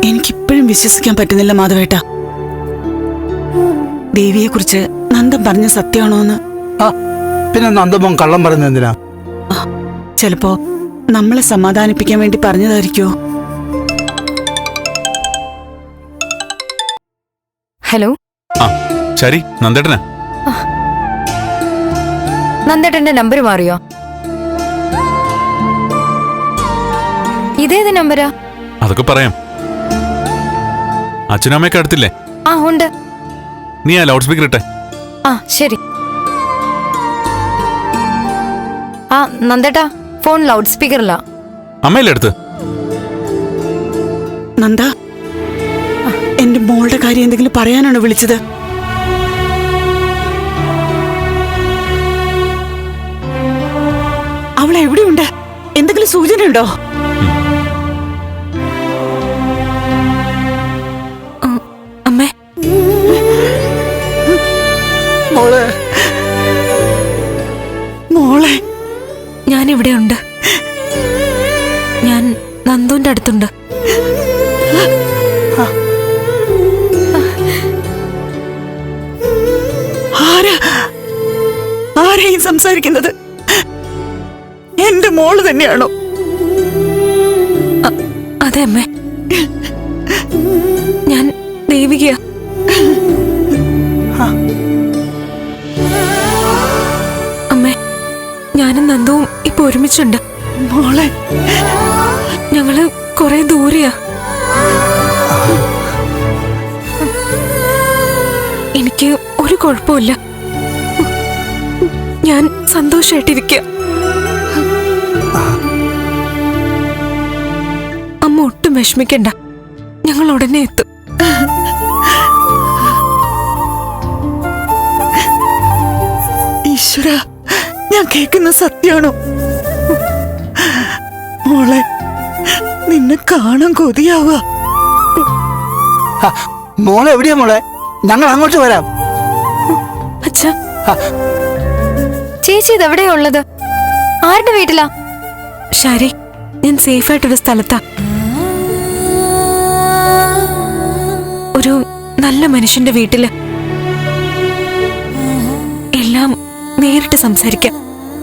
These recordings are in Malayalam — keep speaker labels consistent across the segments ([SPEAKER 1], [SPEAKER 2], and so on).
[SPEAKER 1] എനിക്കിപ്പോഴും വിശ്വസിക്കാൻ പറ്റുന്നില്ല മാധവേട്ട. ദേവിയെ കുറിച്ച് നന്ദൻ പറഞ്ഞ സത്യമാണോന്ന്.
[SPEAKER 2] പിന്നെ നന്ദമോൻ കള്ളം പറയുന്നത് എന്തിനാ?
[SPEAKER 1] ചിലപ്പോ നമ്മളെ സമാധാനിപ്പിക്കാൻ വേണ്ടി പറഞ്ഞതായിരിക്കോ?
[SPEAKER 3] ഹലോ.
[SPEAKER 4] ശരി, നന്ദേട്ടനാ.
[SPEAKER 3] നന്ദേട്ടന്റെ നമ്പർ മാറിയോ? ഇതേത് നമ്പരാ?
[SPEAKER 4] അതൊക്കെ പറയാം. അച്ഛനും അമ്മയൊക്കെ അടുത്തില്ലേ?
[SPEAKER 3] ഉണ്ട്.
[SPEAKER 4] നീ ആ ലൗഡ് സ്പീക്കർ ഇട്ടെ.
[SPEAKER 3] ശരി. നന്ദേട്ടാ, ഫോൺ ലൗഡ് സ്പീക്കറില്ല.
[SPEAKER 4] അമ്മയല്ലേ അടുത്ത്?
[SPEAKER 1] നന്ദ, എന്റെ മോളുടെ കാര്യം എന്തെങ്കിലും പറയാനാണോ വിളിച്ചത്? അവൾ എവിടെയുണ്ട്? എന്തെങ്കിലും സൂചന ഉണ്ടോ?
[SPEAKER 3] അമ്മേ.
[SPEAKER 1] മോളെ, മോളെ,
[SPEAKER 3] ഞാനിവിടെ ഉണ്ട്. ഞാൻ നന്ദുവിന്റെ അടുത്തുണ്ട്.
[SPEAKER 1] ആരെയും സംസാരിക്കുന്നത്? എന്റെ മോള് തന്നെയാണോ?
[SPEAKER 3] അതെ അമ്മേ, ഞാൻ ദേവികയാ. അമ്മേ, ഞാനും നന്ദുവും ഇപ്പൊ ഒരുമിച്ചുണ്ട്.
[SPEAKER 1] മോളെ,
[SPEAKER 3] ഞങ്ങള് കൊറേ ദൂരെയാ. എനിക്ക് ഒരു കുഴപ്പമില്ല. ഞാൻ സന്തോഷായിട്ടിരിക്കുക. അമ്മ ഒട്ടും വിഷമിക്കണ്ട, ഞങ്ങൾ ഉടനെ എത്തും.
[SPEAKER 1] ഈശ്വര, ഞാൻ കേൾക്കുന്ന സത്യാണോ? മോളെ, നിന്നെ കാണാൻ കൊതിയാവുക.
[SPEAKER 2] മോളെ എവിടെയാ മോളെ? ഞങ്ങൾ അങ്ങോട്ട് വരാം.
[SPEAKER 3] അച്ഛാ, ചേച്ചി ഇതെവിടെയാ ഉള്ളത്? ആരുടെ വീട്ടിലാ? ശരി, ഞാൻ സേഫായിട്ടൊരു സ്ഥലത്താ. ഒരു നല്ല മനുഷ്യന്റെ വീട്ടില്. എല്ലാം നേരിട്ട് സംസാരിക്കാം.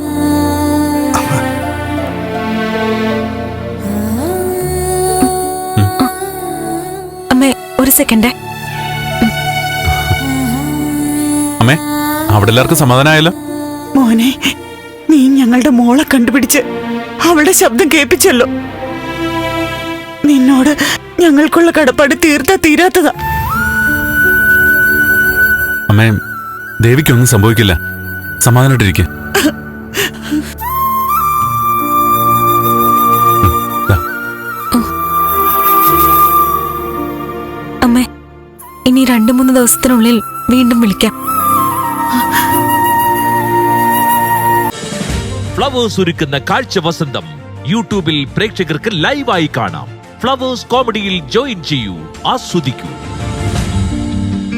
[SPEAKER 3] അമ്മേ, ഒരു സെക്കൻഡ്.
[SPEAKER 4] അമ്മേ, അവിടെ എല്ലാവർക്കും സമാധാനമായല്ലോ?
[SPEAKER 1] മോനെ, നീ ഞങ്ങളുടെ മോളെ കണ്ടുപിടിച്ച് അവളുടെ ശബ്ദം കേൾപ്പിച്ചല്ലോ. നിന്നോട് ഞങ്ങൾക്കുള്ള കടപ്പാട് തീരാത്തതാ.
[SPEAKER 4] അമ്മേ, ദേവിക്കൊന്നും സംഭവിക്കില്ല. സമാധാനമായിട്ടിരിക്കുക.
[SPEAKER 3] അമ്മേ, ഇനി 2-3 ദിവസത്തിനുള്ളിൽ വീണ്ടും വിളിക്കാം.
[SPEAKER 5] ഫ്ലവേഴ്സ് ഒരുക്കുന്ന കാഴ്ച വസന്തം യൂട്യൂബിൽ പ്രേക്ഷകർക്ക് ലൈവായി കാണാം. ഫ്ലവേഴ്സ് കോമഡിയിൽ ജോയിൻ ചെയ്യൂ, ആസ്വദിക്കൂ.